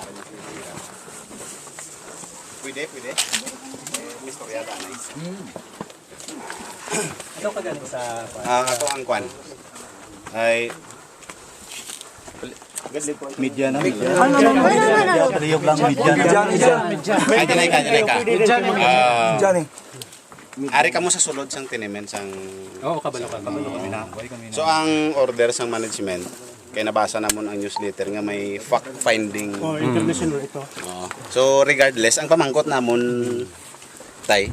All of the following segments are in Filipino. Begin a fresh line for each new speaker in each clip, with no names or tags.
Pwede. Mr. Yada na.
Ito ka galing sa...
Ako ang kwan. Ay...
Media na.
Triyog lang media.
Ay, dinay ka.
Diyan eh.
Ari ka mo sa sulod sang tinimen sang...
Oo, kabalo kami na.
So ang order sang management, kaya nabasa namon ang newsletter nga may fact finding.
International ito.
So regardless, ang pamangkot namon tay,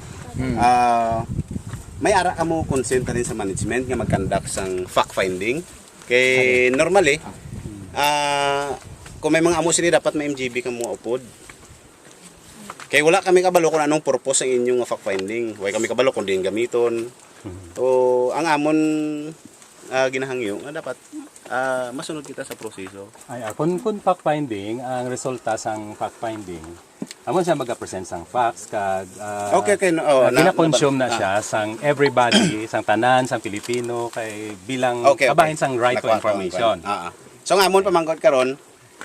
may ara ka mo consent rin sa management nga mag-conduct sang fact finding. Kay normally, kung may mga amo sini dapat may MGB ka mo upod. Kaya wala kami kabalo kung anong purpose ang inyong fact finding. Huwag kami kabalo kung di yung gamiton. O ang amon ginahangyo nga dapat masunod kita sa proseso.
Ay, kung fact finding, ang resulta sang fact finding, amon siya mag-present sang facts kag
Okay.
gina-consume na siya sang everybody, sang tanan, sang Pilipino kay bilang kabahin sang right to information.
So ang amon pamangkot karon,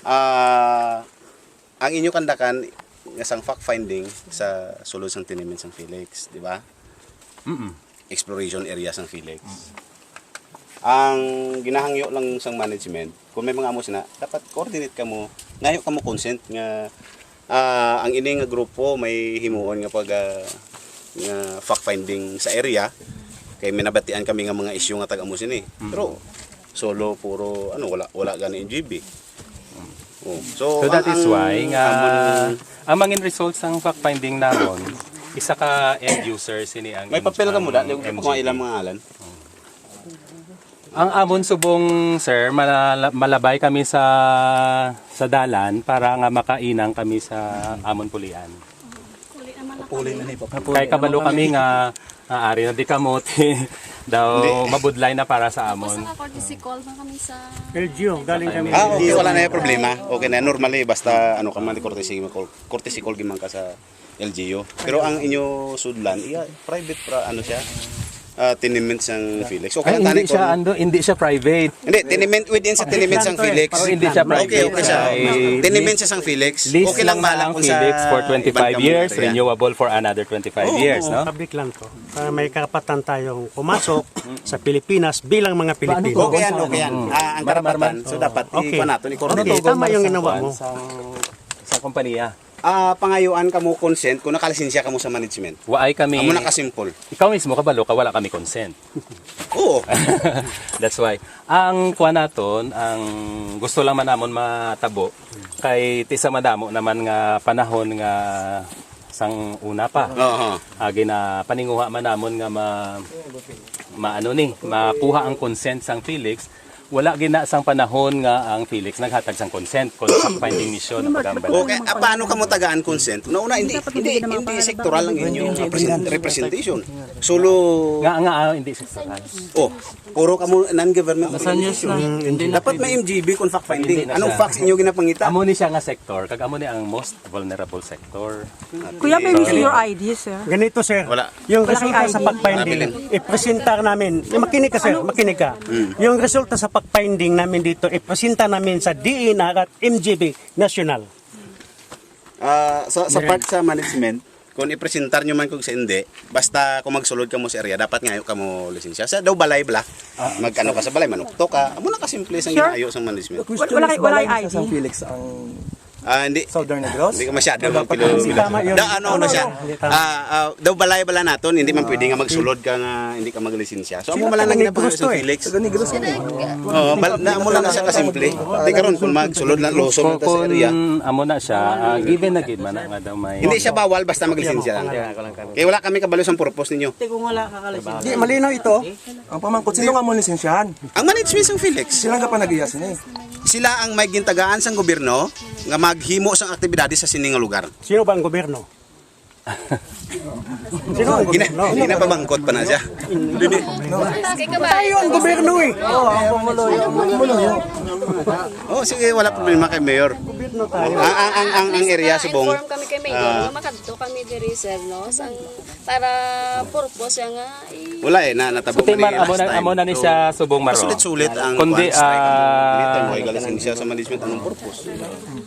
ang inyo kandakan nga sang fact finding sa sulod sang tinimen sang Felix, di ba? Exploration area sang Felix. Ang ginahangyo lang sang management, kung may mga amo na dapat coordinate ka mo, ngayo ka mo consent nga ang ini nga grupo may himuon nga pag nga fact finding sa area kay minabatian kami nga mga isyu nga taga-amo sini. Pero solo puro wala gani NGB.
So that is why nga ang mga results ng fact finding namon isa ka end user sini ang
may papel ka mo dali kung ilang mga alan.
Ang amon subong sir malabay kami sa dalan para nga makainang kami sa amon pulian.
Puli na ni
Kay kabalo kami nga ari na di kamote daw mabudlay na para sa amon.
Tapos courtesy call na kami sa
LGO, galing kami.
Okay, wala na yung problema. Okay na, normally basta ka man courtesy call giman ka sa LGU. Pero ang inyo sudlan, private siya. Tenement sang Felix. Okay lang
Hindi siya private.
Hindi, tenement within sa tenement sang Felix.
Hindi siya private.
Okay siya. Tenement siya sang Felix.
Lease
Okay lang
lang
kung
Felix for 25 years,
area.
renewable for another 25 years, no?
Public lang to. Para may karapatan tayong pumasok sa Pilipinas bilang mga Pilipino.
Okay yan. Ang karapatan, so dapat
Okay.
i-coordinate.
Tama yung ginawa mo.
Sa kompanya.
Pangayuan ka mo consent kung nakalisensya ka mo sa management.
Waay kami.
Amo nakasimple.
Ikaw mismo kabalo ka wala kami consent.
Oo.
That's why ang kuha naton, ang gusto lang man namon matabo kay tisa madamo naman nga panahon nga sang una pa. Agi na paninguha man namon nga makuha ang consent sang Felix. Wala gina sang panahon nga ang Felix naghatag sang consent kung fact finding mission ang pagambal.
Okay, paano ka mo tagaan consent? Una hindi sektoral lang inyong representation. Solo
Hindi sektoral.
puro ka mo non-government organization. Dapat may MGB kung fact finding. Anong facts inyo ginapangita?
Amo ni siya nga sector, kag amo ni ang most vulnerable sector.
Kuya, may see your ID, sir.
Ganito, sir.
Wala.
Yung resulta sa fact-finding, ipresenta namin. Makinig ka, sir. Makinig ka. Yung resulta sa fact-finding namin dito, ipresenta namin sa DENR at MGB National.
Sa part sa management, kung ipresentar nyo man kung sa hindi, basta kung magsulod ka mo sa area, dapat ngayon ka mo lisensya. Sa daw balay bala, mag-ano ka sa balay, manukto ka, amo na kasimple sa ginayo sa management.
Wala ID.
Sa Felix ang
Hindi.
Southern Negros.
Hindi ka masyado daw balay-bala naton, hindi man pwede nga magsulod ka nga hindi ka maglisensya. So amo man lang ginapangalan sa Felix.
Sa Negros.
Amo lang na siya kasimple. Di karon kung magsulod lang loso man ta sa area.
Amo na siya, given na gid man nga daw may.
Hindi siya bawal basta maglisensya lang. Kaya wala kami kabalo sa purpose ninyo.
Di malinaw ito. Ang pamangkot sino nga mo lisensyahan?
Ang management ng Felix,
Sila nga pa nag-iyasin eh.
sila ang may gintagaan sa gobyerno nga maghimo sang aktibidades sa sining nga lugar.
Sino ba ang gobyerno? Sino ang gobyerno?
Ginapamangkot pa na siya.
Tayo ang gobyerno eh.
Sige, wala problema kay Mayor. Ang area subong.
inform kami kay Mayor, makadto kami diri sir no para purpose nga
Wala natabo
So, Timar, amo na ni siya subong maro.
Sulit-sulit ang
Kundi,
strike. Mo galing siya sa management anong purpose.